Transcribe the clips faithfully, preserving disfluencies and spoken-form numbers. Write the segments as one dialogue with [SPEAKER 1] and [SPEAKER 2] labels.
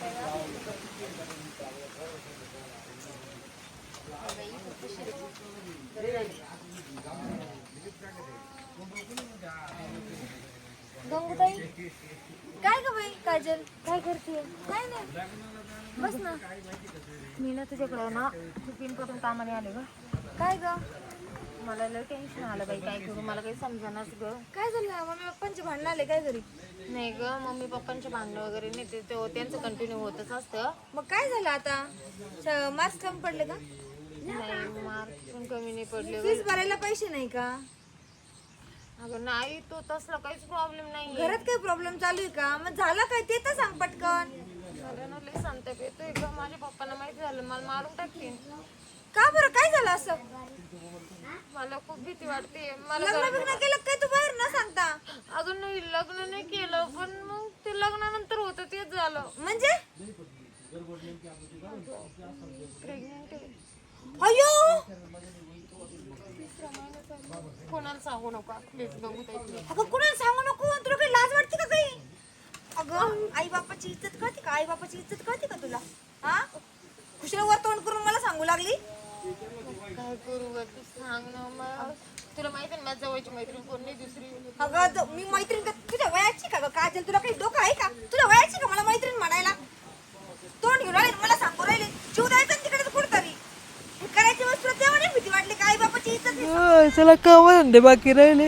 [SPEAKER 1] गंगूताई काय ग बाई काजल काय करते? काय नाही बस ना. मी ना तुझ्याकडे ना खूप इम्पॉर्टंट कामाने आले ग. काय ग? मला लय टेन्शन आलं बाई, काय करू मला काही समजेनाच ग. काय झालं? मम्मी पप्पांचे भांडण आले काय घरी? नाही ग, मम्मी पप्पांचे भांडण वगैरे नाही, ते त्यांचं कंटिन्यू होतच असतं. मग काय झालं आता? मार्क्स कमी पडले का? नाही मार्क्स पण कमी नाही पडले. फीस भरायला पैसे नाही का? अगं नाही, तो तसला काहीच प्रॉब्लेम नाही. घरात काही प्रॉब्लेम चालू आहे का? मग झालं काय ते तर सांग पटकन. अरे ना लय संताप येतोय ग, माझ्या पप्पांना माहिती झालं मला मारून टाकतील. का बरं काय झालं असं? मला खूप भीती वाटते. मला लग्न बिग्न केलं काय तू बाहेर न सांगता? अजून नाही लग्न नाही केलं, पण मग ते लग्नानंतर होतं तेच झालं. म्हणजे प्रेग्नेंट आहे. अयो कोणाला सांगू नका प्लीज बघू. अगं कोणाला सांगू नको, तुला काही लाज वाटते का काही? अगं आई बापाची इज्जत कळते का? आई बापाची इज्जत कळते का तुला? हा खुशाला वर तोंड करून मला सांगू लागली. काय करू ग तू सांग ना. मग तुला माहिती आहे माझ्या जवळची मैत्रीण कोण नाही दुसरी. अगं मी मैत्रीण का तुझ्या वयाची का ग काजल? तुला काही डोकं आहे का? तुझ्या वयाची का मला मैत्रीण म्हणायला? तोंड घेऊन राहिले मला सांगू राहिले. जीव द्यायचा तिकडे कुठतरी करायची वस्तू तेव्हा नाही भीती वाटली का? आई बापाची इज्जत
[SPEAKER 2] चला काम धंदे बाकी राहिले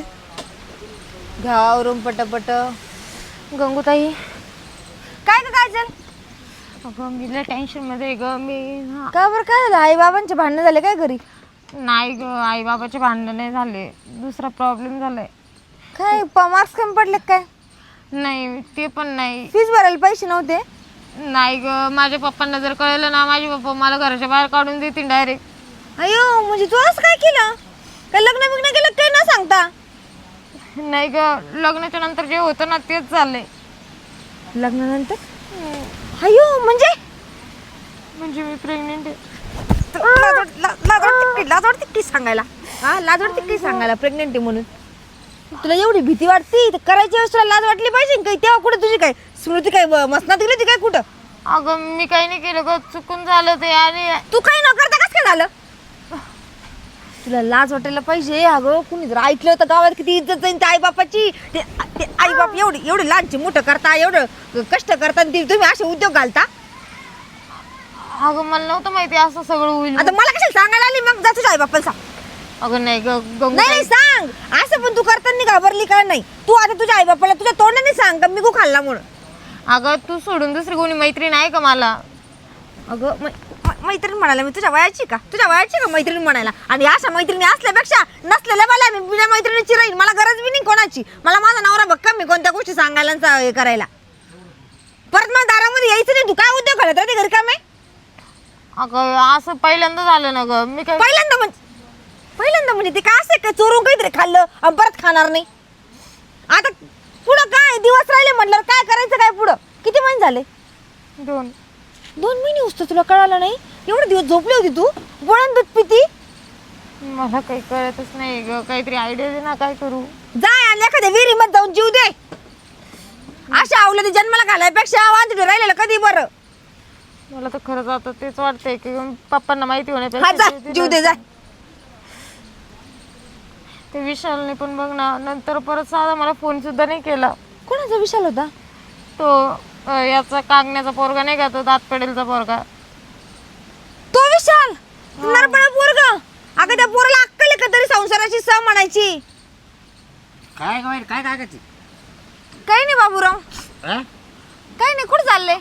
[SPEAKER 1] घावरून पटपट. गंगूताई काय ग काजल? अगं मी लय टेन्शन मध्ये ग. मी का बरं काय झालं? आई बाबांचे भांडण झाले काय घरी? नाही ग आई बाबाचे भांडण नाही झाले, दुसरा प्रॉब्लेम झालाय. काय मार्क्स कमी पडले काय? नाही ते पण नाही. फीस भरायला पैसे नव्हते? नाही ग, माझ्या पप्पांना जर कळलं ना माझे पप्पा मला घराच्या बाहेर काढून देतील डायरेक्ट. अयो म्हणजे तू असं काय केलं? काय लग्न बिग्न केलं काय न सांगता? नाही ग, लग्नाच्या नंतर जे होतं ना तेच झालंय. लग्नानंतर? अयो म्हणजे म्हणजे मी प्रेग्नेंट आहे. लाज वाटते लाज वाटते की सांगायला? हा लाज वाटते की सांगायला प्रेग्नेंट आहे म्हणून? तुला एवढी भीती वाटते तर करायची वेळेस तुला लाज वाटली पाहिजे काही. तेव्हा कुठे तुझी काय स्मृती काय मसनात गेली ती काय कुठं? अगं मी काही नाही केलं ग, चुकून झालं ते. आणि तू काही न करता कसं काय झालं? तुला लाज वाटायला पाहिजे. अगं कुणी जर ऐकलं तर गावात किती इज्जत जाईल त्या आई बापाची. ते आई बाप एवढी एवढी लहानची मोठं करता, एवढं कष्ट करता, तुम्ही असे उद्योग घालता. अगं मला नव्हतं माहिती असं सगळं होईल. आता मला कशाला सांगायला आली? मग जा तुझ्या आई बापाला सांग. अगं नाही ग नाही सांग असं, पण तू करताना घाबरली का नाही? तू आता तुझ्या आई बापाला तुझ्या तोंडाने सांग का मी गो खाल्ला म्हणून. अगं तू सोडून दुसरी कोणी मैत्रीण आहे का मला? अगं मैत्रीण म्हणायला मी तुझ्या वयाची का? तुझ्या वयाची का मैत्रीण म्हणायला? आणि अशा मैत्रिणी असल्यापेक्षा नसलेल्या मला मी बिना मैत्रिणीची राहील. मला गरज बी नाही कोणाची. मला माझा नवरा भक्कम मी कोणत्या गोष्टी सांगायला हे करायला. परत मला दारामध्ये यायचं नाही. तू काय उद्योग घालत राहते घरी काम आहे? अगं असं पहिल्यांदा झालं ना ग. मी काय पहिल्यांदा म्हणजे पहिल्यांदा म्हणजे ते काय असं काय चोरून काहीतरी खाल्लं आणि परत खाणार नाही? आता पुढं काय दिवस राहिले म्हटल्यावर काय करायचं काय पुढं? किती महिने झाले? दोन दोन महिने होतं तुला कळालं नाही? एवढे दिवस झोपली होती तू? गोळ्यान दूध पिती? मला काही कळतच नाही ग, काहीतरी आयडिया दे ना काय करू. जाय आणि एखाद्या विहिरीमध्ये जाऊन जीव दे. अशा आवलं जन्माला घालायपेक्षा वांजडे राहिलेलं कधी बरं. मला तर खरंच आता तेच वाटतंय की पप्पांना माहिती होण्यापेक्षा जीव दे. जाय. ते विशालने पण बघ ना नंतर परत साधा मला फोन सुद्धा नाही केला. कोणाचा विशाल होता? तो याचा कागण्याचा पोरगा नाही का, तो दात पडेलचा पोरगा. तो विशाल नरबळा पोरगा? अगं त्या पोराला अक्कल आहे का तरी संसाराची सह म्हणायची?
[SPEAKER 3] काय काय काय काय करते?
[SPEAKER 1] काही नाही बाबूराव. काही नाही. कुठे चालले?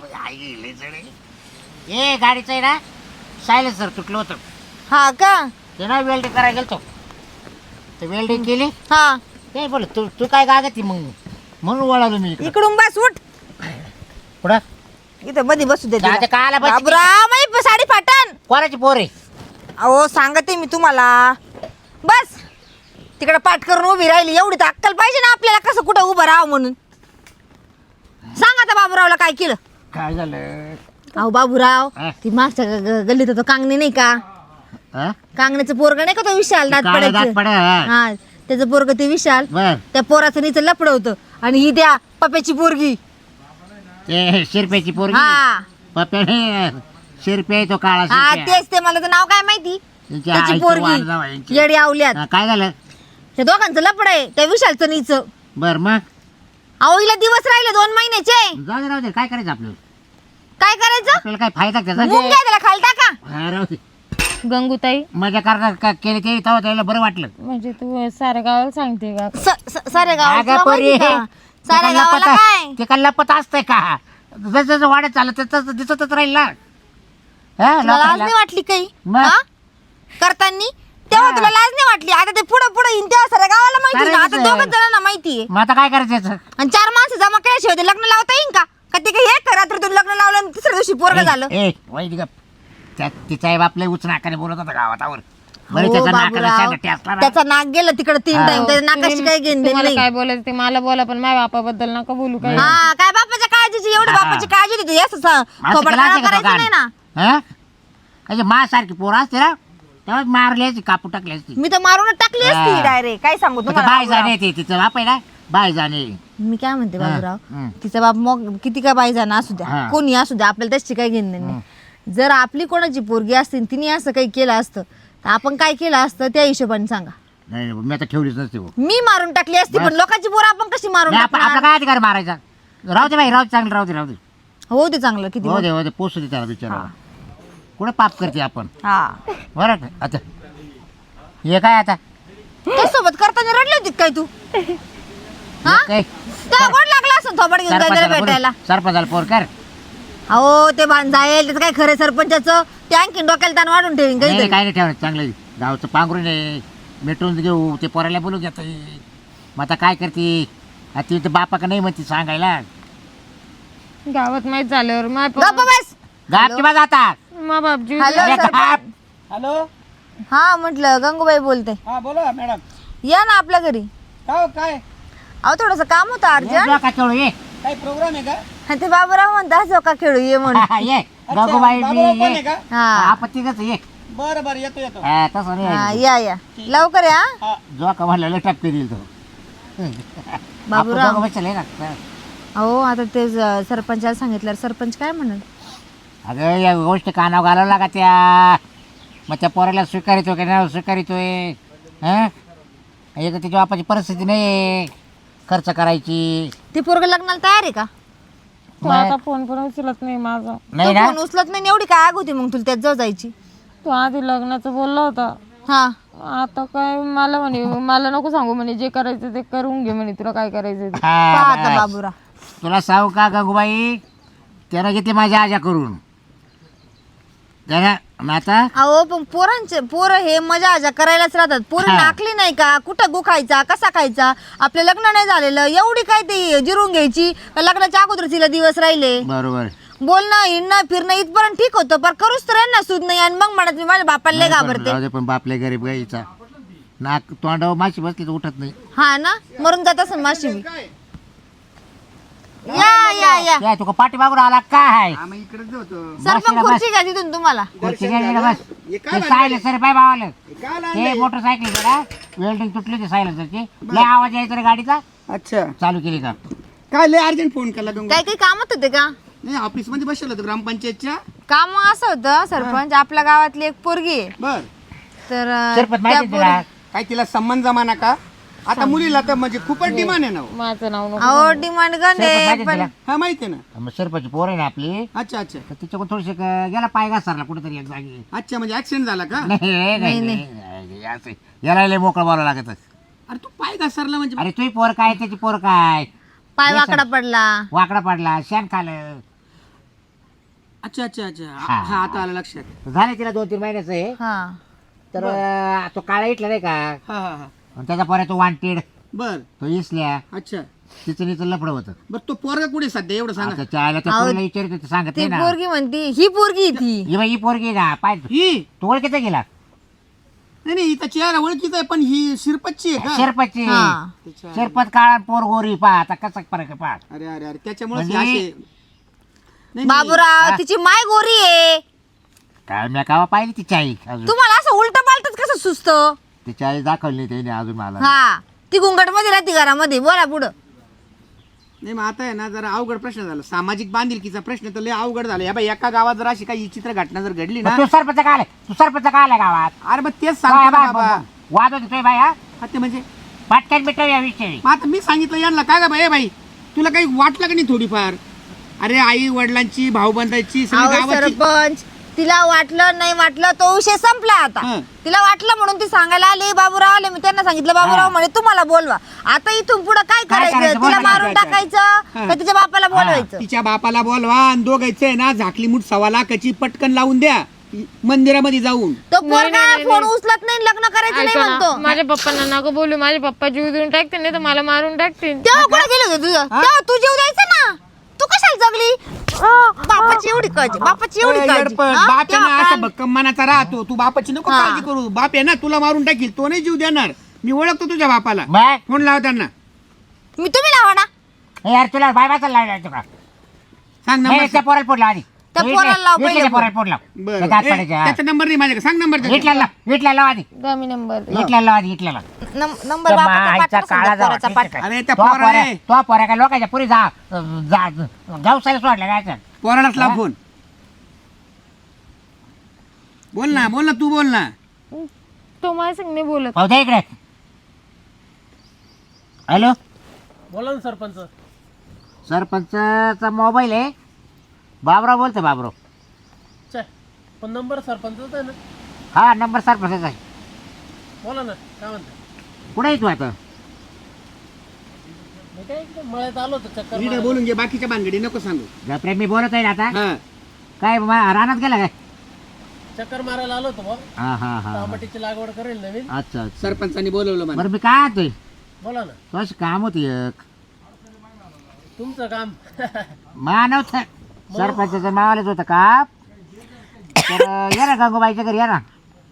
[SPEAKER 3] ए गाडीचं आहे ना सायलेन्सर तुटलं होतं.
[SPEAKER 1] हा का?
[SPEAKER 3] ते ना वेल्डिंग करायला गेलतो. ते वेल्डिंग केली.
[SPEAKER 1] हा
[SPEAKER 3] ते बोल तू तू काय गागती मग म्हणून वळालो मी इकडे.
[SPEAKER 1] इकडून बस उठ.
[SPEAKER 3] पुढं
[SPEAKER 1] इथं मध्ये बसू दे.
[SPEAKER 3] जाते काला बस.
[SPEAKER 1] बाबूराव माझी साडी फाटन.
[SPEAKER 3] कोणाची पोर आहे?
[SPEAKER 1] अहो सांगते मी तुम्हाला. बस तिकडे पाठ करून उभी राहिली. एवढी तर अक्कल पाहिजे ना आपल्याला कसं कुठं उभं राहावं म्हणून. सांग आता बाबूरावला काय केलं?
[SPEAKER 3] काय झालं?
[SPEAKER 1] अहो बाबूराव
[SPEAKER 3] हा?
[SPEAKER 1] ती मागच्या ग- ग- गल्लीत तो कांगणे नाही का?
[SPEAKER 3] हा?
[SPEAKER 1] कांगण्याचं पोरग नाही का तो विशाल दात
[SPEAKER 3] काळं दात
[SPEAKER 1] पडायचं?
[SPEAKER 3] पडा, हा.
[SPEAKER 1] हा त्याचं पोरग ते विशाल.
[SPEAKER 3] बर
[SPEAKER 1] त्या पोराचं नीचं लपड होतं आणि ही त्या पप्याची पोरगी.
[SPEAKER 3] ते शिरप्याची पोरगी.
[SPEAKER 1] हा
[SPEAKER 3] पप्याने शिरपे तो काळा
[SPEAKER 1] हा
[SPEAKER 3] शिरप्या.
[SPEAKER 1] तेच ते मला तर नाव काय माहिती
[SPEAKER 3] यांची
[SPEAKER 1] त्याची
[SPEAKER 3] आईची वाण
[SPEAKER 1] पोरगी
[SPEAKER 3] जावयांची.
[SPEAKER 1] येडी आवल्यात
[SPEAKER 3] हा, काय झालं
[SPEAKER 1] त्या दोघांचं लपड आहे त्या विशालचं नीचं
[SPEAKER 3] बर मग
[SPEAKER 1] अहो हिला दिवस राहिले दोन महिन्याचे
[SPEAKER 3] जाऊ दे राहू दे काय करायचं आपल्याला
[SPEAKER 1] काय करायचं
[SPEAKER 3] आपल्याला काय फायदा त्याचा
[SPEAKER 1] मुंग घ्या त्याला खाली टाका
[SPEAKER 3] हा, राहू दे
[SPEAKER 1] गंगूताई
[SPEAKER 3] मजा करणार का केली ते तेव्हा त्याला बरं वाटलं
[SPEAKER 1] म्हणजे तू साऱ्या गावाला सांगते का साऱ्या गावाला
[SPEAKER 3] अगं
[SPEAKER 1] तुला
[SPEAKER 3] पोरी,
[SPEAKER 1] माहिती का?
[SPEAKER 3] ते
[SPEAKER 1] साऱ्या
[SPEAKER 3] काय
[SPEAKER 1] गावाला
[SPEAKER 3] लपत
[SPEAKER 1] काय
[SPEAKER 3] ते काय लपत असतंय का जसं जसं वाढत चाललं तसं तसं दिसतच राहील ना हा,
[SPEAKER 1] तुला लाज
[SPEAKER 3] लोकांना.
[SPEAKER 1] नाही वाटली काही
[SPEAKER 3] मग?
[SPEAKER 1] हा? करतानी तेव्हा
[SPEAKER 3] हा.
[SPEAKER 1] तुला लाज नाही वाटली आता ते पुढे पुढे येईन तेव्हा साऱ्या गावाला माहिती ना
[SPEAKER 3] साऱ्याच
[SPEAKER 1] आता
[SPEAKER 3] आहे.
[SPEAKER 1] दोघच जणांना माहितीये
[SPEAKER 3] मग आता काय करायचं याचं?
[SPEAKER 1] आणि चार माणसं जमा केल्याशिवाय ते लग्न लावता येईन का का ते काही हे का रात्रीतून लग्न लावलं आणि तिसऱ्या दिवशी पोरग झालं
[SPEAKER 3] ए ए, वाईट गप त्या तिचा आई बापले उच नाकाने बोलत होता गावातावर बरं
[SPEAKER 1] हो,
[SPEAKER 3] त्याचा नाकाला
[SPEAKER 1] बाबूराव.
[SPEAKER 3] शेंडा ठेचला ना.
[SPEAKER 1] त्याचा नाक गेलं तिकडे तीन
[SPEAKER 3] हा.
[SPEAKER 1] टाइम त्याच्या नाकाशी काही घेऊन देणं नाही
[SPEAKER 2] काय बोलायचं ते मला बोला पण माझ्या बापाबद्दल नका बोलू काय
[SPEAKER 1] हा काय बापाच्या काळजीची एवढी
[SPEAKER 3] हा.
[SPEAKER 1] बापाची काळजी होती असं
[SPEAKER 3] माणसं
[SPEAKER 1] खबर
[SPEAKER 3] केला असेल का तो
[SPEAKER 1] करायचं नाही ना
[SPEAKER 3] गाण? हा? अशी मा सारखी पोरं असते ना तेव्हा मारली असती कापू टाकली असती
[SPEAKER 1] मी तर मारूनच टाकली असती
[SPEAKER 3] हा.
[SPEAKER 1] डायरेक्ट काय सांगू
[SPEAKER 3] आता
[SPEAKER 1] तुम्हाला
[SPEAKER 3] बाय
[SPEAKER 1] बाबूराव.
[SPEAKER 3] जाणे ते तिचं बाप आहे ना बाय जाणे
[SPEAKER 1] मी काय म्हणते
[SPEAKER 3] हा.
[SPEAKER 1] बाबूराव
[SPEAKER 3] हम्म.
[SPEAKER 1] तिचा बाप मग किती काय बाई जाणं असू द्या
[SPEAKER 3] हा.
[SPEAKER 1] कोणी असू द्या आपल्याला त्याची काही घेणं नाही जर आपली कोणाची पोरगी असती आणि तिने असं काही केलं असतं तर आपण काय केलं असतं त्या हिशोबाने सांगा
[SPEAKER 3] नाही नाही, मी आता ठेवलीच नसते हो.
[SPEAKER 1] मी मारून टाकली असती पण
[SPEAKER 3] बस.
[SPEAKER 1] लोकांची पोरं आपण कशी मारून
[SPEAKER 3] नाही, आपण- आपला
[SPEAKER 1] टाकणार
[SPEAKER 3] काय अधिकार मारायचा राहू दे बाई राहू दे चांगलं राहू दे राहू दे
[SPEAKER 1] हो ते चांगलं किती
[SPEAKER 3] हो दे हो दे पोचू दे त्याला बिचारा कुठं पाप करते आपण
[SPEAKER 1] हा
[SPEAKER 3] बरं का? आता हे काय आता
[SPEAKER 1] त्यासोबत करताना रडली होती काय तू हा
[SPEAKER 3] हे काय
[SPEAKER 1] तेव्हा गोड लागला असं थोबड घेऊन जायला
[SPEAKER 3] सरपंचाला
[SPEAKER 1] भेटायला
[SPEAKER 3] बोलू. सरपंचाला पोर कर
[SPEAKER 1] अहो ते बांधायल त्याचं काय खरं सरपंचाचं ते आणखीन डोक्याला ताण वाढून ठेवीन
[SPEAKER 3] नाही, नाही,
[SPEAKER 1] काही
[SPEAKER 3] काय नाही ठेवणार चांगलं गावचं पांघरून आहे मिटून घेऊ ते पोराला बोलू घेत मग आता काय करते आता ती तर बापा नाही म्हणते सांगायला
[SPEAKER 2] गावात माहित झाल्यावर माय
[SPEAKER 1] गप्प बस
[SPEAKER 3] गापची माझा आता
[SPEAKER 2] मा बापजी
[SPEAKER 1] हॅलो
[SPEAKER 3] अरे
[SPEAKER 1] सरपंच
[SPEAKER 3] गाप.
[SPEAKER 4] हॅलो
[SPEAKER 1] हा म्हटलं गंगूबाई बोलते
[SPEAKER 4] हा बोला मॅडम
[SPEAKER 1] या ना आपल्या घरी
[SPEAKER 4] काय हो, काय
[SPEAKER 1] अहो थोडस काम होतं
[SPEAKER 3] ये
[SPEAKER 1] अर्जंट
[SPEAKER 3] डोका चोळू, ये
[SPEAKER 4] काही प्रोग्राम आहे का
[SPEAKER 1] आणि ते बाबूराव म्हणता झोका खेळू ये म्हणून
[SPEAKER 3] ये
[SPEAKER 4] अच्छा,
[SPEAKER 3] गगूबाई
[SPEAKER 4] बाबूराव
[SPEAKER 3] बी
[SPEAKER 4] पण आहे
[SPEAKER 3] ये
[SPEAKER 4] का
[SPEAKER 1] हा
[SPEAKER 3] आपत्ती कसं ये
[SPEAKER 4] बरं बरं येतो येतो
[SPEAKER 3] हा, तसं नाही
[SPEAKER 1] हा,
[SPEAKER 3] यायचं.
[SPEAKER 1] या या लवकर या
[SPEAKER 4] हा
[SPEAKER 3] जो का म्हणलं टपके देईल तो
[SPEAKER 1] बाबूराव.
[SPEAKER 3] आपण दोघं बसले ना
[SPEAKER 1] अहो आता ते ज- सरपंचाला सांगितलं सरपंच काय म्हणत
[SPEAKER 3] अगं या गोष्टी कानावर घालावं लागा त्या मग त्या पोराला स्वीकारितो की नाही स्वीकारितोय हां एक तर त्याच्या बापाची परिस्थिती नाही आहे खर्च करायची
[SPEAKER 1] ते पोरग लग्नाला तयार आहे का
[SPEAKER 2] तो आता फोन पण उचलत नाही माझा
[SPEAKER 3] नाही
[SPEAKER 1] तो
[SPEAKER 3] ना
[SPEAKER 1] फोन उचलत नाही एवढी काय आग होती मग तुला त्यात जाऊ जायची
[SPEAKER 2] तो आधी लग्नाचं बोलला होता
[SPEAKER 1] हा
[SPEAKER 2] आता काय मला म्हणे मला नको सांगू म्हणे जे करायचं ते करून घे म्हणे तुला काय करायचं ते
[SPEAKER 3] हा,
[SPEAKER 1] पहा आता
[SPEAKER 3] बस.
[SPEAKER 1] बाबूराव
[SPEAKER 3] तुला सांगू का गंगूबाई त्यानं घेते माझ्या आजा करून त्यानं मग आता
[SPEAKER 1] अहो पण पोरांचे पोरं हे मजा आजा करायलाच राहतात पोरं
[SPEAKER 3] हा.
[SPEAKER 1] नाकली नाही का कुठं गु खायचा कसा खायचा आपलं लग्न नाही झालेलं एवढी काय ते जिरून घ्यायची का लग्नाच्या अगोदर तिला दिवस राहिले
[SPEAKER 3] बरोबर
[SPEAKER 1] बोलणं हिंडणं फिरणं इथपर्यंत ठीक होतं पण करूच तर यांना सूद नाही आणि मग म्हणत मी माझ्या बापाला लय
[SPEAKER 3] नाही पण
[SPEAKER 1] घाबरते
[SPEAKER 3] राहू दे, पण बापले गरीब गाईचा नाक तोंडावर माशी बसली तर उठत नाही
[SPEAKER 1] हा ना मरून जात असं माशी बी. या या या
[SPEAKER 3] काय तुका पाठी मागून आला काय
[SPEAKER 4] आम्ही इकडेच होतो
[SPEAKER 1] सरपंच खुर्ची घ्या तिथून तुम्हाला
[SPEAKER 3] खुर्ची घ्यायची ना बस
[SPEAKER 4] हे काय
[SPEAKER 3] ते सायले सर बाय बावाले
[SPEAKER 4] काय
[SPEAKER 3] ते
[SPEAKER 4] लागलंय?
[SPEAKER 3] मोटरसायकल जरा वेल्डिंग तुटली होती सायलेन्सरची लय आवाज यायचा रे गाडीचा
[SPEAKER 4] अच्छा
[SPEAKER 3] चालू केली का
[SPEAKER 4] काय लय अर्जंट फोन केला गंगा
[SPEAKER 1] काय काही कामत होते का
[SPEAKER 4] नाही ऑफिस मध्ये बसलो होतो ग्रामपंचायतच्या
[SPEAKER 1] काम असं होतं सरपंच आपल्या गावातली एक पोरगी आहे
[SPEAKER 4] बर
[SPEAKER 1] तर अं,
[SPEAKER 3] सरपंच
[SPEAKER 1] त्या
[SPEAKER 3] माहिती तुला
[SPEAKER 1] पोरी-
[SPEAKER 4] काय तिला सन्मान जमाना का आता मुलीला तर म्हणजे खूपच डिमांड आहे ना हो.
[SPEAKER 2] माझं नाव नको
[SPEAKER 1] अहो डिमांड
[SPEAKER 3] सरपंच
[SPEAKER 1] गणे
[SPEAKER 3] माहिती
[SPEAKER 1] पण
[SPEAKER 3] तुला
[SPEAKER 4] हा माहिती आहे ना
[SPEAKER 3] मग सरपंच पोर आहे ना आपली
[SPEAKER 4] अच्छा अच्छा
[SPEAKER 3] तर तिच्याकडून थोडीशी क- गेला पाय घासरला कुठेतरी एक जागी
[SPEAKER 4] अच्छा म्हणजे ऍक्सिडेंट झाला का
[SPEAKER 3] नाही नाही नाही असं याला लय मोकळं बोलावं लागत
[SPEAKER 4] अरे तू पाय घसरला म्हणजे
[SPEAKER 3] अरे तुही पोर काय त्याची पोर काय
[SPEAKER 1] पाय वाकडा पडला
[SPEAKER 3] वाकडा पडला शेण खालं
[SPEAKER 4] अच्छा अच्छा अच्छा
[SPEAKER 3] हा.
[SPEAKER 4] हा आता आलं लक्षात
[SPEAKER 3] झाले तिला दोन तीन महिन्याचं आहे
[SPEAKER 1] हा
[SPEAKER 3] तर अं, तो काळा इटला नाही का
[SPEAKER 4] हा हा हा
[SPEAKER 3] आणि त्याचा पोर तो वांटेड
[SPEAKER 4] बर
[SPEAKER 3] तो इसल्या
[SPEAKER 4] अच्छा
[SPEAKER 3] तिचं नीचं लफडं होतं
[SPEAKER 4] बर तो पोरगा कुठे सध्या एवढं सांगा
[SPEAKER 3] आता त्या आईला त्या
[SPEAKER 1] अहो,
[SPEAKER 3] पोरीला विचारित होते सांगत
[SPEAKER 1] ती
[SPEAKER 3] नाही ना
[SPEAKER 1] पोरगी म्हणती ही पोरगी आहे ती
[SPEAKER 3] ही बाई ही पोरगी ना पाय
[SPEAKER 4] ही
[SPEAKER 3] तो ओळखीचा गेला
[SPEAKER 4] नाही नाही हिचा चेहरा ओळखीचा आहे पण ही शिरपतची आहे का
[SPEAKER 3] शेरपतची
[SPEAKER 1] हा
[SPEAKER 4] त्याच्या-
[SPEAKER 3] शेरपत काळा पोर गोरी पा आता कसा फरक आहे पा
[SPEAKER 4] अरे अरे अरे त्याच्यामुळे
[SPEAKER 3] म्हणजे-
[SPEAKER 4] असे नाही, नाही.
[SPEAKER 1] बाबूराव
[SPEAKER 3] हा.
[SPEAKER 1] तिची माय गोरी आहे
[SPEAKER 3] काय मी कावा पाहिली तिची आई अजून
[SPEAKER 1] तुम्हाला असं उलट पालटच कसं सुचतं
[SPEAKER 3] तिची आई दाखवली नाही त्याने अजून मला
[SPEAKER 1] हा ती घुंगट मध्ये राहते घरामध्ये बोला पुढं
[SPEAKER 4] नाही मग आता आहे ना जरा अवघड प्रश्न झाला सामाजिक बांधिलकीचा प्रश्न तर लय अवघड झाला या बाई एका गावात जर अशी काही चित्र घटना जर घडली ना
[SPEAKER 3] मग तू सरपंच काय आलाय? तू सरपंच काय आलाय गावात?
[SPEAKER 4] अरे मग तेच
[SPEAKER 3] काय
[SPEAKER 4] सांगतो ना
[SPEAKER 3] बा-
[SPEAKER 4] बाबा
[SPEAKER 3] वाद होते बाई हा
[SPEAKER 4] हा, ते म्हणजे
[SPEAKER 3] पटकन मिटव या विषयी.
[SPEAKER 4] मग आता मी सांगितलं यांना काय गा बाई ए बाई तुला काही वाटलं का नाही थोडीफार अरे आई वडिलांची भाऊबंदाची सगळी
[SPEAKER 1] अहो
[SPEAKER 4] गावाची
[SPEAKER 1] सरपंच तिला वाटलं नाही वाटलं तो विषय संपला आता
[SPEAKER 4] हं.
[SPEAKER 1] तिला वाटलं म्हणून ती सांगायला आली बाबूराव आले मी त्यांना सांगितलं बाबूराव म्हणे तुम्हाला बोलवा आता इथून पुढे काय
[SPEAKER 3] काय
[SPEAKER 1] करायचं
[SPEAKER 3] करायचं?
[SPEAKER 1] तिला
[SPEAKER 3] बोला
[SPEAKER 1] मारून
[SPEAKER 4] ना.
[SPEAKER 1] टाकायचं
[SPEAKER 4] हं.
[SPEAKER 1] का तिच्या बापाला बोलवायचं
[SPEAKER 4] तिच्या बापाला बोलवा आणि दोघायचं आहे ना झाकली मूठ सव्वा लाखाची पटकन लावून द्या मंदिरामध्ये जाऊन
[SPEAKER 1] तो
[SPEAKER 2] नाही,
[SPEAKER 1] पोरगा
[SPEAKER 2] नाही,
[SPEAKER 1] फोन
[SPEAKER 2] नाही.
[SPEAKER 1] उचलत नाही लग्न करायचं नाही
[SPEAKER 2] ऐका ना,
[SPEAKER 1] म्हणतो
[SPEAKER 2] माझ्या पप्पांना नको बोलू. माझे पप्पा जीव देऊन टाकतील नाही तर मला मारून टाकतील.
[SPEAKER 1] तेव्हा कुठे गेले होते तुझं तेव्हा तू जीव द्यायचा ना तू कशाला जगली बापाची एवढी काळजी बापाची एवढी
[SPEAKER 4] ए,
[SPEAKER 1] काळजी
[SPEAKER 4] येडपट,
[SPEAKER 1] हा?
[SPEAKER 4] बाप आहे
[SPEAKER 1] तेव्हा
[SPEAKER 4] ना असा
[SPEAKER 1] काय?
[SPEAKER 4] भक्कम मनाचा राहतो तू बापाची नको
[SPEAKER 1] हा.
[SPEAKER 4] काळजी करू बाप आहे ना तुला मारून टाकील तो नाही जीव देणार मी ओळखतो तुझ्या बापाला
[SPEAKER 3] मग
[SPEAKER 4] फोन लाव त्यांना
[SPEAKER 1] मी तुम्ही लावा ना
[SPEAKER 3] हे यार तुला बाय बायचा लावला तुका
[SPEAKER 4] सांग
[SPEAKER 3] नाही
[SPEAKER 4] नंबर
[SPEAKER 3] त्या पोराला पोट लाव आधी.
[SPEAKER 1] त्या
[SPEAKER 3] इथल्या-
[SPEAKER 1] पोराला लाव
[SPEAKER 3] इथल्या
[SPEAKER 1] पहिले
[SPEAKER 3] त्या पोराला पोट लाव.
[SPEAKER 4] बरं
[SPEAKER 3] त्या दात
[SPEAKER 4] ए,
[SPEAKER 3] पडायचे, हा.
[SPEAKER 4] त्याचा नंबर नाही माझ्याकडे सांग नंबर त्याचा.
[SPEAKER 3] इथल्या लाव इथल्या लाव आधी
[SPEAKER 2] द्या मी नंबर.
[SPEAKER 3] इथल्या लाव आधी इथल्या लाव.
[SPEAKER 1] नम- नंबर
[SPEAKER 3] त्या
[SPEAKER 1] बापाचा
[SPEAKER 3] माईचा
[SPEAKER 1] पाठवा,
[SPEAKER 3] काळा
[SPEAKER 1] समजा
[SPEAKER 3] जावा,
[SPEAKER 1] पोराचा
[SPEAKER 3] ठीक आहे.
[SPEAKER 1] पाठवा.
[SPEAKER 4] अरे त्या
[SPEAKER 3] तो
[SPEAKER 4] पोरा
[SPEAKER 3] पोऱ्या
[SPEAKER 4] रे.
[SPEAKER 3] तो पोऱ्या काय लोकांच्या पुरी जा जा गावसाला सोडल्या काय
[SPEAKER 4] पोरालाच लाव फोन बोल ना बोल ना तू बोल ना
[SPEAKER 2] तो माझ्या संग नाही बोलत.
[SPEAKER 3] पाहू दे इकडे हॅलो
[SPEAKER 5] बोला ना सरपंच.
[SPEAKER 3] सरपंचचा मोबाईल आहे बाबराव बोलतो बाबराव
[SPEAKER 5] चे पण नंबर सरपंचच आहे ना.
[SPEAKER 3] हा नंबर सरपंचाचा आहे
[SPEAKER 5] बोला ना काय म्हणता.
[SPEAKER 3] कुठे आहे तू आता
[SPEAKER 5] मी काय इकडे मळ्यात आलो होतो चक्कर
[SPEAKER 4] नीट
[SPEAKER 5] मारायला.
[SPEAKER 4] बोलून घे बाकीच्या भानगडी नको सांगू
[SPEAKER 3] गप्रे मी बोलत आहे ना आता
[SPEAKER 4] हा
[SPEAKER 3] काय मा- रानात गेला काय
[SPEAKER 5] चक्कर मारायला आलो होतो बा.
[SPEAKER 3] हा हा हा
[SPEAKER 5] टमाट्याची लागवड करेल नवीन.
[SPEAKER 3] अच्छा अच्छा
[SPEAKER 4] सरपंचानी बोलवलं मला
[SPEAKER 3] बरं मी काय आणतोय
[SPEAKER 5] बोला ना
[SPEAKER 3] तू अशी काम होती एक
[SPEAKER 5] तुमचं काम.
[SPEAKER 3] मानव सरपंचाचं मावालेच होतं का तर या ना गंगूबाईच्या घरी या ना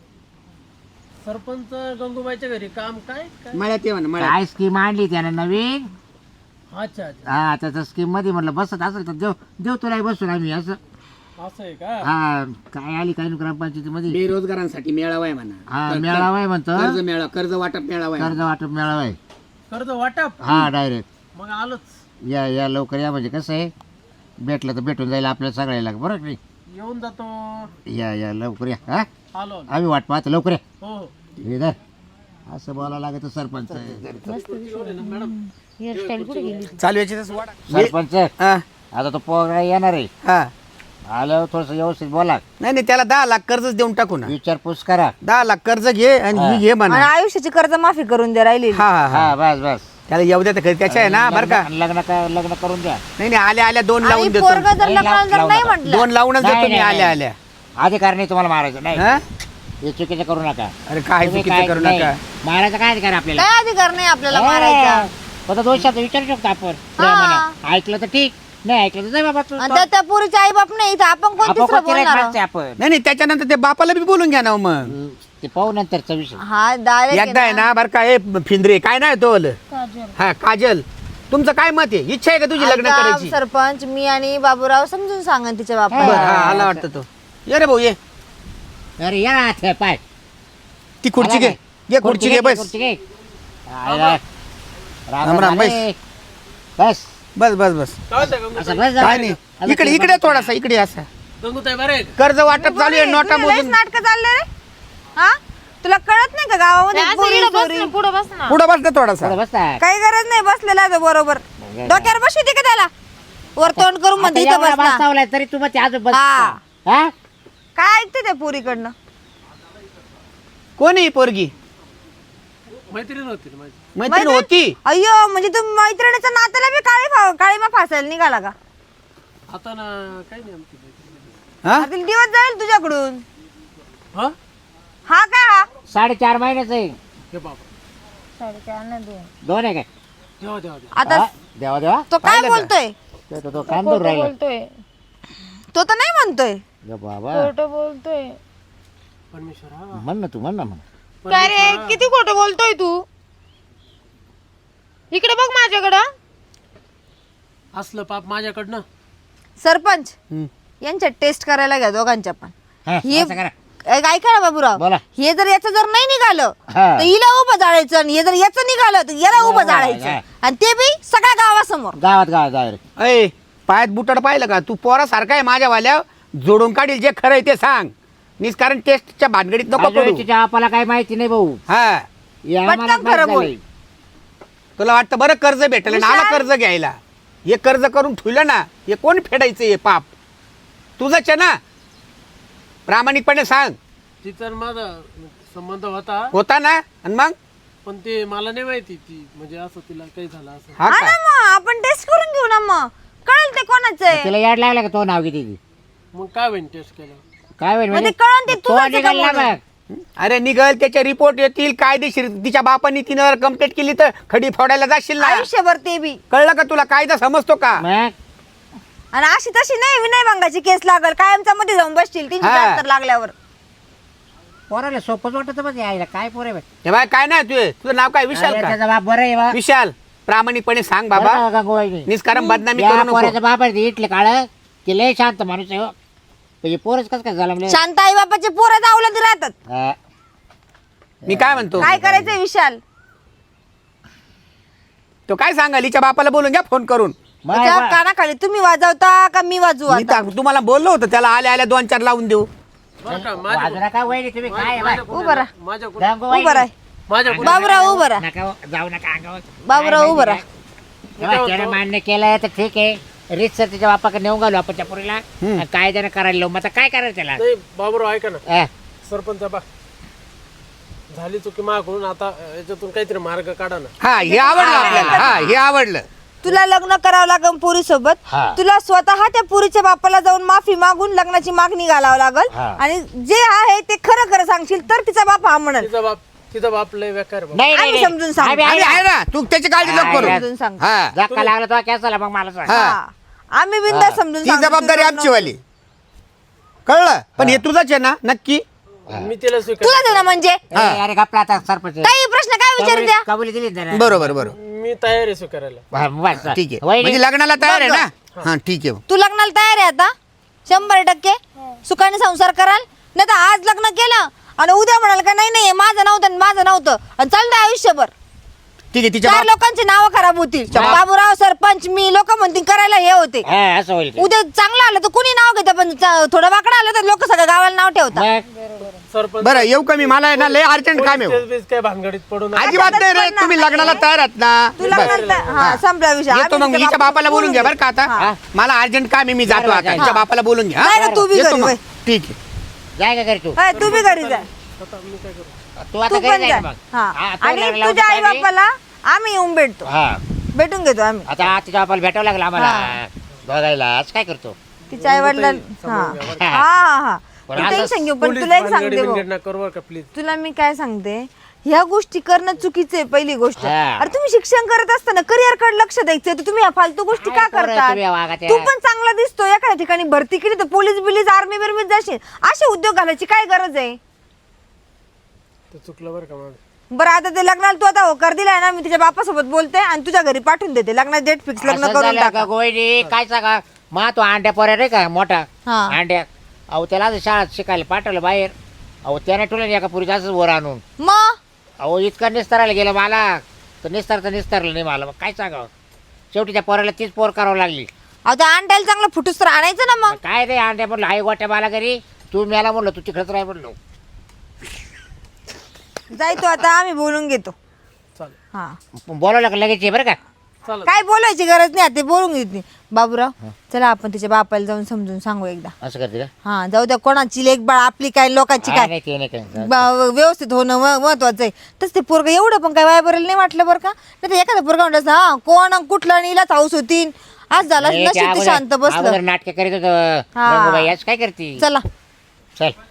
[SPEAKER 5] सरपंच गंगूबाईच्या घरी काम काय काय.
[SPEAKER 4] मळ्यात ये म्हणा मळ्यात
[SPEAKER 3] काय स्कीम आणली त्याने नवीन
[SPEAKER 5] अच्छा अच्छा
[SPEAKER 3] हा त्याच्या स्कीम मध्ये म्हटलं बसत असेल तर देव देव तुला बसून आम्ही असं
[SPEAKER 5] असं आहे का.
[SPEAKER 3] हा काय आली काय ग्रामपंचायतीमध्ये
[SPEAKER 4] बेरोजगारांसाठी मेळावा आहे म्हणा
[SPEAKER 3] हा
[SPEAKER 4] कर-
[SPEAKER 3] मेळावा आहे म्हणतो
[SPEAKER 4] कर्ज मेळावा कर्ज वाटप मेळावा आहे
[SPEAKER 3] कर्ज वाटप मेळावा आहे
[SPEAKER 5] कर्ज वाटप.
[SPEAKER 3] हा डायरेक्ट
[SPEAKER 5] मग आलोच.
[SPEAKER 3] या या लवकर या म्हणजे कसं आहे भेटलं तर भेटून जाईल आपल्याला सगळ्याला बरोबर की नाही?
[SPEAKER 5] येऊन जातो.
[SPEAKER 3] या या लवकर या हा
[SPEAKER 5] आलो आलो.
[SPEAKER 3] आम्ही वाट पाहतो लवकर या
[SPEAKER 5] हो हो.
[SPEAKER 3] हे धर. असं बोलावं लागत सरपंच
[SPEAKER 2] हेअरस्टाईल कुठे गेली?
[SPEAKER 4] चालू याची वाडा
[SPEAKER 3] सरपंच
[SPEAKER 4] हा
[SPEAKER 3] आता तो पोरा येणार आहे
[SPEAKER 4] हा
[SPEAKER 3] आल्यावर थोडस व्यवस्थित बोला
[SPEAKER 4] नाही नाही त्याला दहा लाख कर्जच देऊन टाकू ना
[SPEAKER 3] विचारपूस करा
[SPEAKER 4] दहा लाख कर्ज घे आणि ही घे
[SPEAKER 1] आणि
[SPEAKER 4] म्हणा
[SPEAKER 1] आयुष्याची कर्ज माफी करून दे राहिली
[SPEAKER 4] हा हा हा
[SPEAKER 3] हा बस बस
[SPEAKER 4] त्याला येऊ द्या तर त्याच्या आहे ना बरं का
[SPEAKER 3] लग्न लग्न का- लग्न करून द्या
[SPEAKER 4] नाही नाही आल्या आल्या दोन
[SPEAKER 1] आणि
[SPEAKER 4] लावून देतो
[SPEAKER 1] पोरग जर
[SPEAKER 3] नाही,
[SPEAKER 1] लग्नाला जर
[SPEAKER 3] लावू
[SPEAKER 1] नाही
[SPEAKER 3] नका.
[SPEAKER 1] म्हटलं
[SPEAKER 4] दोन लावूनच
[SPEAKER 3] नाही,
[SPEAKER 4] देतो मी
[SPEAKER 3] नाही,
[SPEAKER 4] आल्या
[SPEAKER 3] नाही.
[SPEAKER 4] आल्या
[SPEAKER 3] अधिकार नाही तुम्हाला मारायचं नाही
[SPEAKER 4] हा
[SPEAKER 3] हे चुकीचं करू नका
[SPEAKER 4] अरे काय
[SPEAKER 3] तुम्ही
[SPEAKER 4] चुकीचं
[SPEAKER 3] काय-
[SPEAKER 4] करू
[SPEAKER 3] नाही.
[SPEAKER 4] नका
[SPEAKER 3] मारायचा काय अधिकार आपल्याला
[SPEAKER 1] काय अधिकार नाही आपल्याला मारायचा
[SPEAKER 3] फक्त दोन शब्द विचारू शकतो आपण प्रेमाने. ऐकलं तर ठीक नाही ऐकलं तर जाय बाबा तू
[SPEAKER 1] आणि त्या- त्या पुरीचे आई बाप नाही तर आपण कोण
[SPEAKER 3] आपण
[SPEAKER 1] तिसरं
[SPEAKER 3] कोणती राईट
[SPEAKER 1] बोलणार
[SPEAKER 3] माणसं आहे आपण
[SPEAKER 4] नाही नाही त्याच्यानंतर ते बापाला बी बोलून घ्या ना हो मग
[SPEAKER 3] ते पाहू नंतरचा विषय
[SPEAKER 1] हा डायरेक्ट
[SPEAKER 4] एकदा आहे ना बरं का ए फिंद्रे काय नाही तो
[SPEAKER 2] काजल.
[SPEAKER 4] हा काजल तुमचं काय मत आहे इच्छा आहे का तुझी लग्न करायची
[SPEAKER 1] सरपंच मी आणि बाबूराव समजून सांगा तिच्या
[SPEAKER 4] बरं
[SPEAKER 1] बापाला
[SPEAKER 4] हा आला वाटतं तो ये रे भाऊ ये
[SPEAKER 3] अरे या ना ते पाय
[SPEAKER 4] ती खुर्ची घे घे खुर्ची घे बस
[SPEAKER 3] खुर्ची घे आयला. राम
[SPEAKER 4] राम,
[SPEAKER 3] राम,
[SPEAKER 4] बस.
[SPEAKER 3] अरे. बस
[SPEAKER 4] बस बस बस
[SPEAKER 5] काय म्हणता गंगू.
[SPEAKER 3] असं बस जरा.
[SPEAKER 4] काय नाही
[SPEAKER 3] असं
[SPEAKER 4] इकडे
[SPEAKER 3] ते
[SPEAKER 4] इकडे
[SPEAKER 3] बस.
[SPEAKER 4] थोडासा इकडे असा
[SPEAKER 5] गंगूताई बरं आहे का?
[SPEAKER 4] कर्ज वाटप चालू आहे नोटा मोजून
[SPEAKER 1] नाटक चालले रे हा तुला कळत नाही का गावामध्ये
[SPEAKER 2] असं
[SPEAKER 1] पोरी,
[SPEAKER 2] इकडं बस
[SPEAKER 1] चोरी?
[SPEAKER 2] ना, पुढं बस ना.
[SPEAKER 4] पुढं बस ना थोडासा
[SPEAKER 3] थोडं बस ना.
[SPEAKER 1] काही गरज नाही बसलेला आहे तो बरोबर डोक्यावर बसवते का त्याला वर तोंड करून
[SPEAKER 3] आता
[SPEAKER 1] मध्ये इथं
[SPEAKER 3] एवढा
[SPEAKER 1] बसला
[SPEAKER 3] बसवलाय तरी तू मग अजून बस
[SPEAKER 1] हा.
[SPEAKER 3] हा?
[SPEAKER 1] काय ऐकते त्या पोरीकडनं
[SPEAKER 4] कोण आहे ही पोरगी
[SPEAKER 5] मैत्रीण होती ना माझी.
[SPEAKER 4] मैत्रीण होती
[SPEAKER 1] अय्यो म्हणजे तू मैत्रिणीच्या नात्याला बी काळी फा- काळीमा फासायला निघाला का
[SPEAKER 5] आता ना काही नाही आमची मैत्रीण.
[SPEAKER 4] हा
[SPEAKER 1] आता दिवस जाईल तुझ्याकडून
[SPEAKER 5] हा
[SPEAKER 1] हा काय हा
[SPEAKER 3] साडेचार महिन्याच आहे
[SPEAKER 5] हे बाबा
[SPEAKER 2] साडेचार ना दोन.
[SPEAKER 3] दोन आहे काय
[SPEAKER 5] देवा देवा देवा.
[SPEAKER 1] आता
[SPEAKER 3] हा? देवा देवा
[SPEAKER 1] तो काय
[SPEAKER 4] पाहिलं का?
[SPEAKER 1] बोलतोय
[SPEAKER 3] तो- तो- तो कांदूर
[SPEAKER 2] खोटं
[SPEAKER 3] राहिला
[SPEAKER 2] बोलतोय.
[SPEAKER 1] तो तर नाही म्हणतोय
[SPEAKER 3] ग बाबा
[SPEAKER 2] खोटं बोलतोय.
[SPEAKER 5] परमेश्वर हा
[SPEAKER 3] म्हण ना तू म्हण ना मग
[SPEAKER 2] काय रे किती खोटं बोलतोय तू इकडे बघ माझ्याकडं.
[SPEAKER 5] असलं पाप माझ्याकडनं.
[SPEAKER 1] सरपंच
[SPEAKER 4] हम्म.
[SPEAKER 1] यांच्या टेस्ट करायला घ्या दोघांच्या पण
[SPEAKER 3] हा,
[SPEAKER 1] हे-
[SPEAKER 3] असं करा
[SPEAKER 1] ऐ- ऐका ना बाबूराव
[SPEAKER 3] बोला.
[SPEAKER 1] हे जर याचं जर नाही निघालं
[SPEAKER 3] हा.
[SPEAKER 1] तर हिला उभं जाळायचं आणि हे जर याचं निघालं तर याला उभं जाळायचं
[SPEAKER 3] हा.
[SPEAKER 1] आणि ते बी सगळ्या गावासमोर.
[SPEAKER 3] गावात गावात जाय रे.
[SPEAKER 4] अय पायात बुटाड पाहिलं का तू पोरासारखा आहे माझ्या वाल्या जोडून काढील जे खरं आहे ते सांग निष्कारण टेस्टच्या भानगडीत नको
[SPEAKER 3] अजून
[SPEAKER 4] पडू
[SPEAKER 3] तिच्या बापाला काही माहिती नाही भाऊ.
[SPEAKER 4] हा
[SPEAKER 3] हे आम्हाला
[SPEAKER 1] पटकन
[SPEAKER 3] माहित
[SPEAKER 1] खरं बोल.
[SPEAKER 3] झालंय.
[SPEAKER 4] तुला वाटतं बरं कर्ज भेटलं ना आला
[SPEAKER 1] विशाल?
[SPEAKER 4] कर्ज घ्यायला हे कर्ज करून ठेवलं ना हे कोण फेडायचं हे पाप तुझंच आहे ना प्रामाणिकपणे सांग
[SPEAKER 5] तिचा आणि माझा संबंध होता
[SPEAKER 4] होता ना आणि मग
[SPEAKER 5] पण ते मला नाही माहिती ती म्हणजे असं तिला काही झालं असं
[SPEAKER 4] हा
[SPEAKER 1] हा
[SPEAKER 4] का
[SPEAKER 1] ना मग आपण टेस्ट करून घेऊ ना मग कळेल ते कोणाचं आहे.
[SPEAKER 3] तिला याड लागला का तो नाव किती
[SPEAKER 5] मग काय होईन टेस्ट केलं
[SPEAKER 3] काय होईल
[SPEAKER 1] म्हणजे
[SPEAKER 3] म्हणजे?
[SPEAKER 1] कळण ते
[SPEAKER 3] तो
[SPEAKER 1] तुझंच आहे का
[SPEAKER 3] निघाला
[SPEAKER 1] म्हणून?
[SPEAKER 3] बघ.
[SPEAKER 4] अरे निघल त्याचे रिपोर्ट येतील कायदेशीर तिच्या बापानी तिनं कंप्लेंट केली तर खडी फोडायला जाशील ना
[SPEAKER 1] आयुष्यभर ते बी.
[SPEAKER 4] कळलं का तुला कायदा समजतो का
[SPEAKER 3] मग
[SPEAKER 1] आणि अशी तशी नाही विनयभंगाची केस लागल कायमचा मध्ये जाऊन बसतील तीनशे
[SPEAKER 4] हा.
[SPEAKER 1] त्र्याहत्तर लागल्यावर.
[SPEAKER 3] पोराला सोपंच वाटत बघ यायला काय पोरे बघ.
[SPEAKER 4] हे बाय काय नाही तुझे तुझं नाव काय विशाल
[SPEAKER 3] अरे,
[SPEAKER 4] का
[SPEAKER 3] त्याचा बाप बरं आहे बा.
[SPEAKER 4] विशाल प्रामाणिकपणे सांग बाबा
[SPEAKER 3] बरं का गंगूबाई?
[SPEAKER 4] निष्कारण बदनामी
[SPEAKER 3] या
[SPEAKER 4] करू नको
[SPEAKER 3] पोराचा बाप आहे ते इटले काळ ते लय शांत माणूस आहे हो. म्हणजे पोरच कस काय झालं म्हणजे
[SPEAKER 1] शांत आई बापाचे पोरं दावलत राहतात.
[SPEAKER 3] हा.
[SPEAKER 4] मी काय म्हणतो
[SPEAKER 1] काय करायचंय विशाल?
[SPEAKER 4] तो काय सांगाल हिच्या बापाला बोलून घ्या फोन करून
[SPEAKER 3] मग
[SPEAKER 1] त्याच्या
[SPEAKER 3] बा-
[SPEAKER 1] कानाखाली तुम्ही वाजवता का मी वाजवू
[SPEAKER 4] मी
[SPEAKER 1] आता?
[SPEAKER 4] तर तुम्हाला बोललो होतो त्याला आल्या आल्या दोन चार लावून देऊ
[SPEAKER 5] बरं का माझ्या
[SPEAKER 3] बाजूला काय वहिनी तुम्ही काय आहे बा?
[SPEAKER 1] उभं राहा.
[SPEAKER 5] माझ्या
[SPEAKER 3] गंगूबाई.
[SPEAKER 1] उभं राहा.
[SPEAKER 5] माझ्या
[SPEAKER 1] बाबूराव उभं राहा.
[SPEAKER 3] नका हो, जाऊ नका अंगावर.
[SPEAKER 1] बाबूराव
[SPEAKER 3] काय
[SPEAKER 1] उभं राहा.
[SPEAKER 3] माहिती का? त्यानं मान्य केलं तर ठीक आहे रीत सर त्याच्या बापाकडे नेऊन घालू आपण त्या पोरीला आणि कायद्यानं करायला लावू मग आता काय करायचं त्याला
[SPEAKER 5] नाही बाबूराव ऐका ना
[SPEAKER 3] हा.
[SPEAKER 5] सरपंच बा झाली चुकी मागून आता अं, याच्यातून काहीतरी मार्ग काढा ना
[SPEAKER 4] हा हे आवडलं आपल्याला हा हे आवडलं
[SPEAKER 1] तुला लग्न करावं लागेल पुरी सोबत.
[SPEAKER 3] हा.
[SPEAKER 1] तुला स्वतः त्या पुरीच्या बापाला जाऊन माफी मागून लग्नाची मागणी घालावं लागल
[SPEAKER 3] हा.
[SPEAKER 1] आणि जे आहे ते खरं खरं सांगशील तर तिचा बाप हा म्हणेल.
[SPEAKER 5] तिचा बाप तिचा बाप लय बेकार बाबा
[SPEAKER 3] नाही नाही
[SPEAKER 1] आम्ही
[SPEAKER 3] नाही.
[SPEAKER 1] समजून सांगू.
[SPEAKER 3] आम्ही आहे
[SPEAKER 4] आम्ही
[SPEAKER 3] ना.
[SPEAKER 4] आहे ना तू त्याची काळजी नको करू
[SPEAKER 1] समजून सांग.
[SPEAKER 4] हा
[SPEAKER 3] धक्का लागला तो कॅन्सल मग मला सांग.
[SPEAKER 4] हा.
[SPEAKER 1] हा. आम्ही बिंदास समजून
[SPEAKER 4] ती
[SPEAKER 1] सांगू.
[SPEAKER 4] जबाबदारी
[SPEAKER 1] तुझं
[SPEAKER 4] आमची
[SPEAKER 1] लग्न-
[SPEAKER 4] वाली कळलं पण हे तुझंच आहे ना नक्की
[SPEAKER 5] मी तिला स्वीकार
[SPEAKER 1] तुझंच आहे ना म्हणजे
[SPEAKER 3] ए, अरे गपला आता सरपंच
[SPEAKER 1] काही प्रश्न काय विचारू द्या.
[SPEAKER 3] कबुली दिली ना त्यानं.
[SPEAKER 4] बरोबर बरोबर
[SPEAKER 5] मी तयार आहे स्वीकारायला
[SPEAKER 3] हा, बस.
[SPEAKER 4] ठीक आहे
[SPEAKER 3] वहिनी,
[SPEAKER 4] म्हणजे लग्नाला तयार आहे ना हा ठीक आहे
[SPEAKER 1] तू लग्नाला तयार आहे आता शंभर टक्के सुखाने संसार कराल नाही तर आज लग्न केलं आणि उद्या म्हणाल का नाही नाही माझं नव्हतं आणि माझं नव्हतं आणि चालतंय आयुष्यभर
[SPEAKER 4] ठीक आहे तिच्या
[SPEAKER 1] चार
[SPEAKER 4] बाप
[SPEAKER 1] लोकांची नावं खराब होतील बाबूराव सरपंच मी लोक म्हणतील करायला हे होते
[SPEAKER 3] हा, असं होईल ते.
[SPEAKER 1] उद्या चांगलं आलं तर कुणी नाव घेतं पण च- थोडं वाकडं आलं तर लोक सगळ्या गावाला नाव ठेवतात.
[SPEAKER 3] मग
[SPEAKER 5] सरपंच
[SPEAKER 4] बरं येऊ का मी मला आहे ना लय अर्जंट काम आहे
[SPEAKER 5] तेच बीच काय भानगडीत पडू नका
[SPEAKER 4] अजिबात नाही रे तुम्ही लग्नाला तयार आहात ना
[SPEAKER 1] तू लग्नाला हा संपला विषय.
[SPEAKER 4] येतो
[SPEAKER 1] आम्ही
[SPEAKER 4] मग
[SPEAKER 1] तिच्या
[SPEAKER 4] हिच्या बापाला बोलून घ्या बरं का आता
[SPEAKER 3] हा.
[SPEAKER 4] मला अर्जंट काम आहे मी जातो आता
[SPEAKER 3] हा.
[SPEAKER 4] हिच्या बापाला बोलून घ्या
[SPEAKER 1] नाही
[SPEAKER 4] हा?
[SPEAKER 1] का तू बी
[SPEAKER 4] येतो
[SPEAKER 1] घरी
[SPEAKER 4] मग.
[SPEAKER 1] वय.
[SPEAKER 4] ठीक आहे
[SPEAKER 3] जाय का घरी तू
[SPEAKER 1] होय, तू बी घरी जा
[SPEAKER 5] आता मी काय करू
[SPEAKER 3] तू आता
[SPEAKER 1] तू
[SPEAKER 3] घरी
[SPEAKER 1] पण
[SPEAKER 3] जाय
[SPEAKER 1] जा
[SPEAKER 3] मग.
[SPEAKER 1] हा
[SPEAKER 3] हा, तो
[SPEAKER 1] आणि
[SPEAKER 3] लागला
[SPEAKER 1] तुझ्या
[SPEAKER 3] होता
[SPEAKER 1] आई
[SPEAKER 3] काय बी?
[SPEAKER 1] बापाला आम्ही येऊन भेटतो
[SPEAKER 3] हा
[SPEAKER 1] भेटून घेतो आम्ही
[SPEAKER 3] आता तिच्या बापाला भेटावं लागलं आम्हाला बघायला आज काय करतो
[SPEAKER 1] तिच्या आई वडिलां हा हा हा
[SPEAKER 3] पण
[SPEAKER 1] तू
[SPEAKER 3] आता
[SPEAKER 1] टेन्शन घेऊ पण
[SPEAKER 5] पोलीस
[SPEAKER 1] तुला एक
[SPEAKER 5] भानगडी
[SPEAKER 1] सांगते भाऊ.
[SPEAKER 5] बिनगडी नका करू बरं का प्लीज
[SPEAKER 1] तुला मी काय सांगते ह्या गोष्टी करणं चुकीचं आहे पहिली गोष्ट.
[SPEAKER 3] हा.
[SPEAKER 1] अरे तुम्ही शिक्षण करत असताना करिअर कडे लक्ष द्यायचं तर तुम्ही ह्या फालतू गोष्टी
[SPEAKER 3] काय
[SPEAKER 1] का
[SPEAKER 3] पोरं
[SPEAKER 1] करता?
[SPEAKER 3] तुम्ही या वागात्या?
[SPEAKER 1] तू पण चांगला दिसतो एखाद्या ठिकाणी भरती केली तर पोलीस बिलीस आर्मी बिर्मीत जाशील असे उद्योग घालायची काय गरज आहे?
[SPEAKER 5] ते चुकलं बरं का माझं
[SPEAKER 1] बरं आता ते लग्नाला तू आता होकार दिलाय ना मी तुझ्या बापासोबत बोलते आणि तुझ्या घरी पाठवून देते लग्नात डेट फिक्स लग्न
[SPEAKER 3] असं
[SPEAKER 1] करून
[SPEAKER 3] झालं
[SPEAKER 1] टाका.
[SPEAKER 3] का गोयडी काय सांगा मा तो अंड्या पोऱ्या रे का मोठा
[SPEAKER 1] हा.
[SPEAKER 3] अंड्या अहो त्याला आज शाळेत शिकायला पाठवलं बाहेर अहो त्याने ठेवलं एका पुरीचं असंच वर आणून
[SPEAKER 1] मग
[SPEAKER 3] अहो इतकं निस्तारायला गेलं मला तर निस्तार तर निस्तारलं नाही मला मग काय सांगावं शेवटी त्या पोराला तीच पोर करावं लागली
[SPEAKER 1] अहो त्या अंड्याला चांगलं फुटूस तर आणायचं ना मग.
[SPEAKER 3] काय रे अंड्या म्हणलं आई गोट्या मला घरी तू मला म्हणलं तू तिकडच राह म्हणलो
[SPEAKER 1] जाय तू आता आम्ही बोलून घेतो.
[SPEAKER 5] चालेल
[SPEAKER 1] हा
[SPEAKER 3] बोलावलं का लगेच ये बरं का
[SPEAKER 5] चालेल
[SPEAKER 1] काय बोलायची गरज नाही आता ते बोलून घेत नाही. बाबूराव चला आपण तिच्या बापाला जाऊन समजून सांगू एकदा.
[SPEAKER 3] असं करते का
[SPEAKER 1] हा जाऊ द्या कोणाची लेख बाळ आपली काय लोकांची
[SPEAKER 3] हा,
[SPEAKER 1] काय
[SPEAKER 3] नाही ते नाही काय
[SPEAKER 1] ब- व्यवस्थित होणं म- महत्वाचं आहे. तसं ते पोरग एवढं पण काय वाय बरेल नाही वाटलं बरं का नाही तर एखादा पोरगा म्हणलं हा कोण अन कुठलं आणि हिलाच हाऊस होतीन आज झाला
[SPEAKER 3] नाही, ते
[SPEAKER 1] नशीब ते
[SPEAKER 3] अगोदर-
[SPEAKER 1] शांत बसलं.
[SPEAKER 3] अगोदर नाटक करीत होतं
[SPEAKER 1] हा.
[SPEAKER 3] गंगूबाई आज काय करते
[SPEAKER 1] चला
[SPEAKER 3] चल